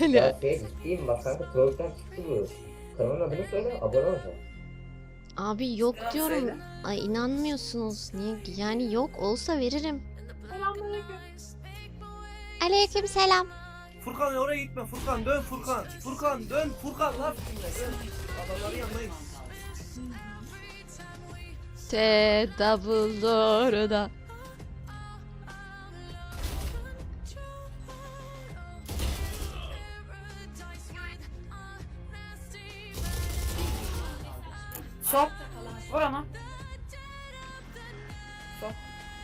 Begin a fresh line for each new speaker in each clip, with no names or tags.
Ya ciddiyim bak kanka, Troll'den çıktı bu. Kanalın adını söyle, abone olacağım.
Abi yok
Selam
diyorum.
söyle.
Ay inanmıyorsunuz. Niye? Yani yok olsa veririm.
Selamünaleyküm.
Aleyküm selam.
Furkan oraya gitme Furkan, dön Furkan. Furkan dön Furkan lan. Dön. Adamların yanına git.
T double da.
Sok. Vur ona. Sok.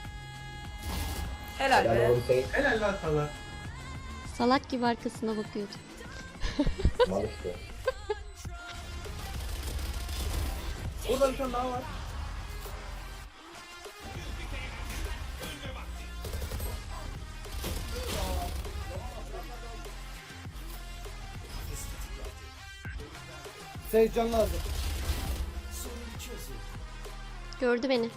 Helal
Yani
be.
onu şey
Helal lan sana.
Salak gibi arkasına bakıyordu.
mal işte.
Orada bir tane daha var.
Seyircan lazım.
Gördü beni.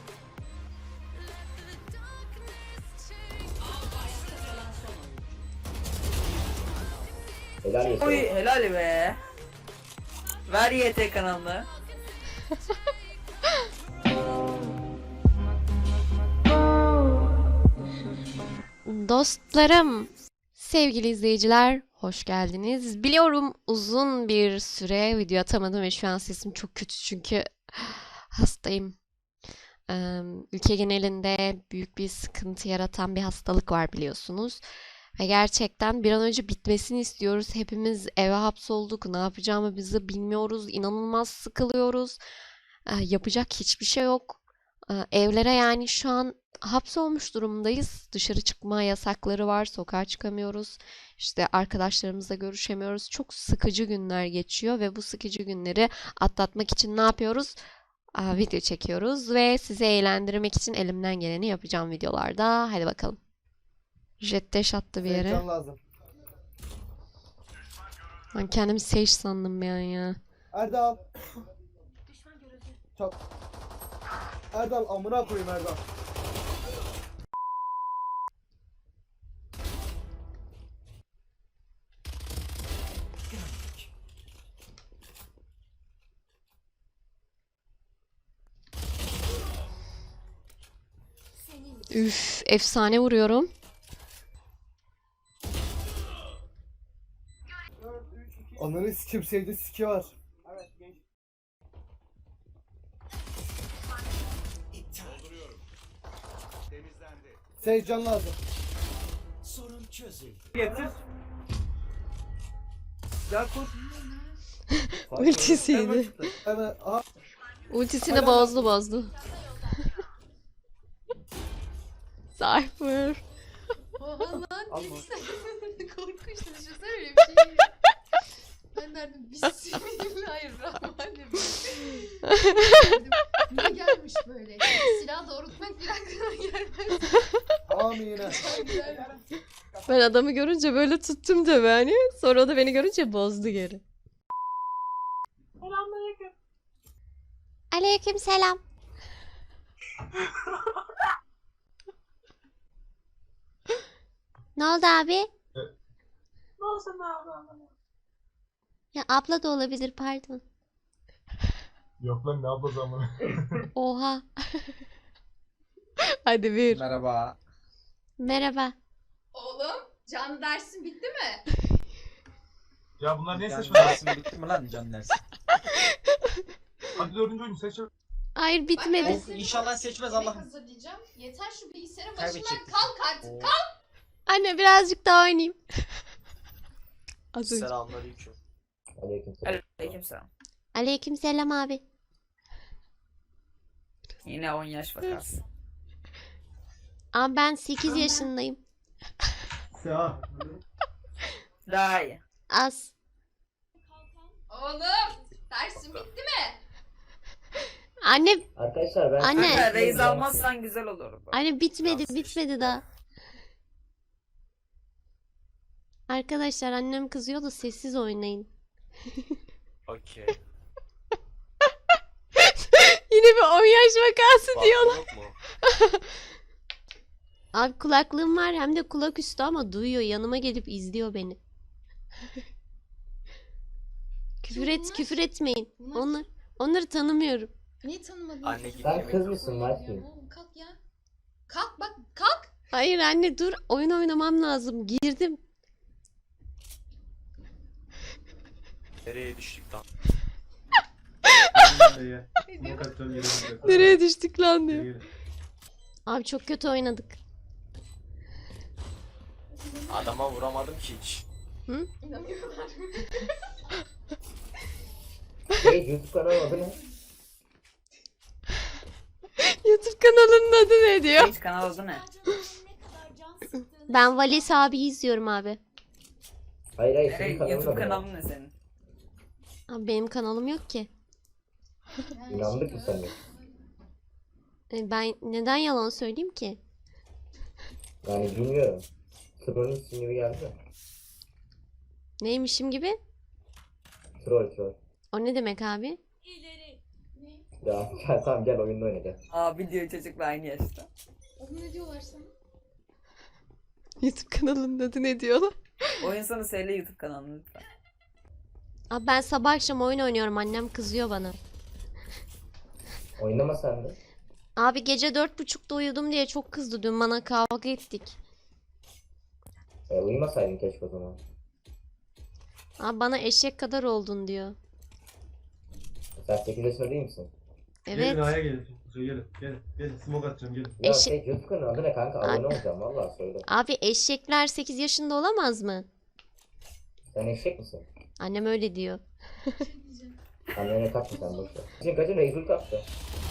Helal olsun.
Oy helal be. Ver YT kanalını.
Dostlarım, sevgili izleyiciler, hoş geldiniz. Biliyorum uzun bir süre video atamadım ve şu an sesim çok kötü çünkü hastayım. Ülke genelinde büyük bir sıkıntı yaratan bir hastalık var biliyorsunuz. Ve gerçekten bir an önce bitmesini istiyoruz. Hepimiz eve hapsolduk. Ne yapacağımızı bilmiyoruz. İnanılmaz sıkılıyoruz. Yapacak hiçbir şey yok. Evlere yani şu an hapsolmuş durumdayız. Dışarı çıkma yasakları var. Sokağa çıkamıyoruz. İşte arkadaşlarımızla görüşemiyoruz. Çok sıkıcı günler geçiyor ve bu sıkıcı günleri atlatmak için ne yapıyoruz? Video çekiyoruz ve sizi eğlendirmek için elimden geleni yapacağım videolarda. Hadi bakalım. Jet dash attı bir yere.
Seyircan lazım.
Ben kendimi Sage sandım bir an ya.
Erdal. Çok. Erdal amına koyayım Erdal.
Üf, efsane vuruyorum.
Onların sikim sevdi siki var. Seyircan lazım.
Getir. Gel kur.
Ultisiydi.
Hemen aha.
Ultisini bozdu. Cypher.
Oha lan
Alma.
korkunç düşünsene öyle bir şey. Ben derdim Bismillahirrahmanirrahim. Derdim, ne gelmiş böyle? Silah doğrultmak bir aklıma gelmez.
Amin.
Ben adamı görünce böyle tuttum tabii hani. Sonra o da beni görünce bozdu geri.
Selamünaleyküm.
Aleyküm selam. Ne oldu abi?
Ne olsun abi?
Ya abla da olabilir pardon.
Yok lan ne abla zamanı.
Oha. Hadi bir.
Merhaba.
Merhaba.
Oğlum canlı dersin bitti mi?
Ya bunlar ne
Can
seçmez?
dersin bitti mi lan can dersin?
Hadi dördüncü oyunu seç.
Hayır bitmedi.
Of, inşallah seçmez
Yemek
Allah'ım.
hazırlayacağım. Yeter şu bilgisayarın başından
Kaybedecektik.
kalk artık.
Oo.
Anne birazcık daha oynayayım. Az önce.
Selamünaleyküm.
Aleykümselam.
Aleykümselam.
Aleyküm selam abi.
Yine 10 yaş vakası.
Abi ben 8 yaşındayım.
Ya.
Daha iyi.
Az.
Oğlum dersin bitti mi?
Anne
Arkadaşlar ben...
Anne.
Kanka reis almazsan güzel olur.
Anne bitmedi
Nasıl
bitmedi daha. Arkadaşlar annem kızıyor da sessiz oynayın.
Okey.
Yine bir 10 yaş vakası diyorlar.
Yok mu?
Abi kulaklığım var hem de kulak üstü ama duyuyor. Yanıma gelip izliyor beni. Küfür etmeyin.
Bunlar-
Onları tanımıyorum.
Niye tanımadın?
Anne gitti.
Sen kız mısın Martin?
Oğlum kalk ya. Kalk bak kalk.
Hayır anne dur. Oyun oynamam lazım. Girdim.
Nereye düştük lan?
Smoke atacağım geri döneceğim.
Nereye düştük lan diyor.
Geri.
Abi çok kötü oynadık.
Adama vuramadım ki hiç.
İnanıyorlar.
YouTube kanalı adı ne?
YouTube kanalının adı ne diyor?
Hiç kanal adı ne?
Ben Valis abi izliyorum abi.
Hayır senin kanalın
YouTube
adı ne?
kanalın ne senin?
Abi benim kanalım yok ki.
İnandık mı sen de?
Ben neden yalan söyleyeyim ki?
Yani bilmiyorum. Troll'ün ismi gibi geldi de.
Neymişim gibi?
Troll.
O ne demek abi?
Ya gel tamam gel oyunda oynayacağız.
Abi diyor çocukla aynı yaşta.
Oğlum ne diyorlar sana?
YouTube kanalının adı ne diyorlar?
Oyun sonu söyle YouTube kanalını lütfen.
Abi ben sabah akşam oyun oynuyorum. Annem kızıyor bana.
Oynama sen de.
Abi gece 4.30'da uyudum diye çok kızdı. Dün bana kavga ettik.
Uyumasaydın keşke o zaman.
Abi bana eşek kadar oldun diyor.
Sen 8 yaşında değil misin?
Gelin
Evet.
A'ya gelin. Gelin. Smoke atacağım gelin.
Ya
Eşek-
YouTube kanalı adı ne kanka? Abone olacağım vallahi söyle.
Abi eşekler 8 yaşında olamaz mı?
Sen eşek misin?
Annem öyle diyor.
Annene takma sen boşver. Şimdi kaçın Reisül kaptı.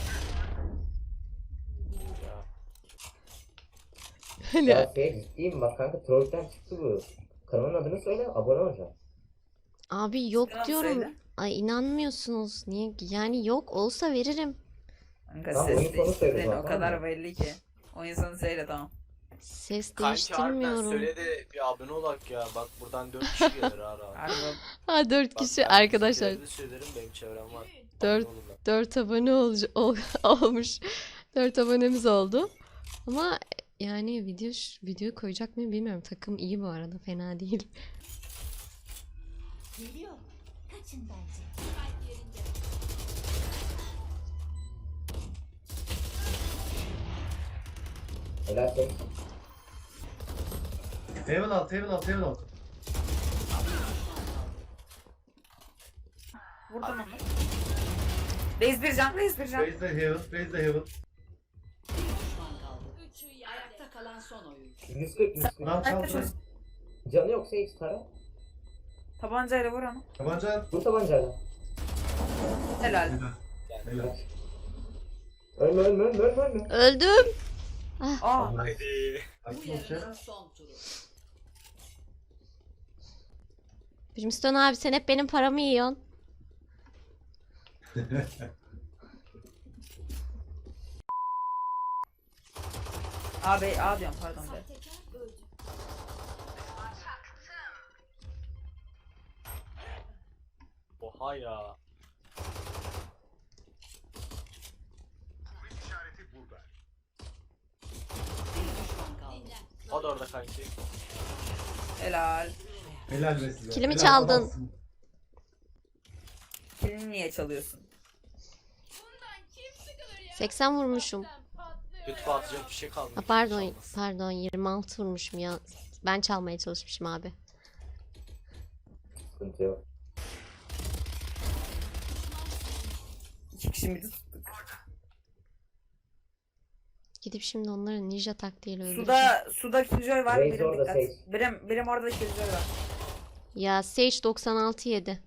Ya ciddiyim bak kanka trollden çıktı bu. Kanalın adını söyle abone olacağım.
Abi yok
Selam
diyorum.
söyle.
Ay inanmıyorsunuz. Niye? Yani yok olsa veririm.
Kanka
Tamam,
ses
oyun sonu söyle
değiştirdin o
zaten
kadar
ama.
belli ki. Oyun sonu söyle tamam.
Ses
Kanki harbiden
değiştirmiyorum.
söyle de bir abone olak ya. Bak buradan 4 kişi gelir ara.
Harbi.
Ha 4
Bak,
kişi
ben
arkadaşlar.
sizlere de söylerim benim çevrem var.
Dört-
Abone olun lan.
4 abone olmuş. 4 abonemiz oldu. Ama yani video koyacak mıyım bilmiyorum. Takım iyi bu arada. Fena değil.
Geliyor. Kaçın bence.
Helal sen.
Heaven alt.
Vurdum onu. Reis bir can.
Raise the heaven.
Ayakta kalan son oyun.
140.
Lan
Kaç
çal.
taş-
Canı yoksa hiç tara.
Tabancayla vur onu.
Tabanca at.
Bu tabancayla.
Helal.
Helal.
Ölme.
Öldüm.
Aa.
Haydi.
Açma şey.
Son turu.
Brimstone abi sen hep benim paramı yiyorsun.
A diyorum pardon be.
Tekrar öldü.
Oha ya.
Bir düşman kaldı.
O da orada kanki.
Helal.
Helal be size.
Kilimi
Helal
çaldın.
adamsın.
Kilini niye çalıyorsun?
80 vurmuşum.
YouTube'a atacak bir şey kalmadı.
Ha, pardon 26 vurmuşum ya. Ben çalmaya çalışmışım abi.
Sıkıntı yok.
2 kişi midi tuttuk.
Gidip şimdi onları ninja taktiğiyle öldüreceğim.
Suda Killjoy var.
Reis
Birim
orada,
dikkat.
Sage.
Birim orada Killjoy var.
Ya Sage 96 yedi.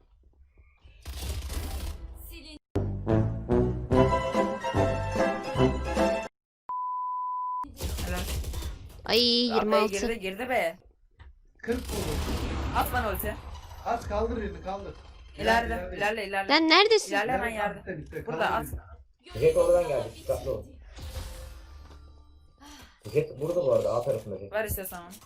Helal.
Ay
Ya be,
26.
girdi be.
40 vurdum.
At bana ulti.
At kaldır birini kaldır.
İlerle.
Lan neredesin?
İlerle hemen yerde.
Bitti.
Burada at.
Jet oradan geldi. Dikkatli ol. Jet burada bu arada A tarafında Jet.
Ver istiyorsan onu.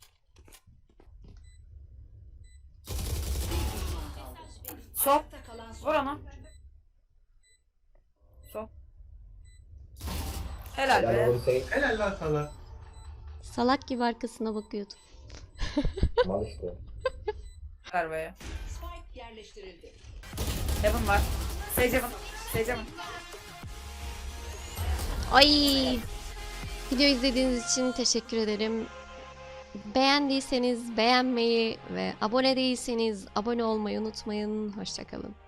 Sol.
Ayakta kalan son
Vur onu. Sol. Helal
Helal
be.
olsun Sage.
Helal lan sana.
Salak gibi arkasına bakıyordum.
Mal işte.
var baya.
Spike yerleştirildi.
Heaven var. Sage Heaven. Sage Heaven.
Ay! Video izlediğiniz için teşekkür ederim. Beğendiyseniz beğenmeyi ve abone değilseniz abone olmayı unutmayın. Hoşça kalın.